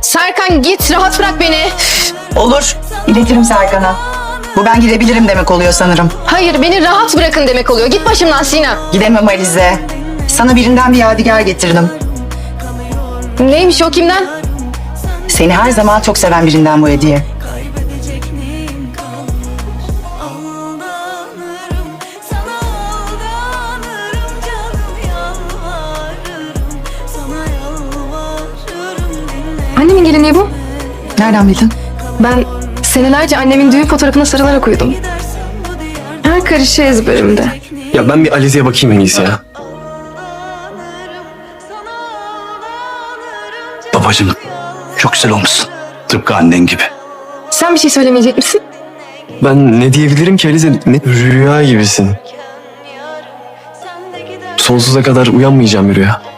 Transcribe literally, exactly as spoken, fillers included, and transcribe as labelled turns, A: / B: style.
A: Serkan git, rahat bırak beni.
B: Olur. İletirim Serkan'a. Bu ben gidebilirim demek oluyor sanırım.
A: Hayır, beni rahat bırakın demek oluyor. Git başımdan Sina.
B: Gidemem Alize. Sana birinden bir yadigar getirdim.
A: Neymiş o, kimden?
B: Seni her zaman çok seven birinden bu hediye.
C: Kaybedecek neyim kalmış? Aldanırım, sana aldanırım, canım yalvarırım, sana yalvarırım, dinle.
A: Annemin gelinliği bu.
B: Nereden bildin?
A: Ben senelerce annemin düğün fotoğrafına sarılarak uyudum. Her karışı ezberimde.
D: Ya ben bir Alize'ye bakayım en iyisi ya.
E: Babacığım çok güzel olmuşsun. Tıpkı annen gibi.
A: Sen bir şey söylemeyecek misin?
D: Ben ne diyebilirim ki Alize? Ne rüya gibisin. Sonsuza kadar uyanmayacağım bir rüya.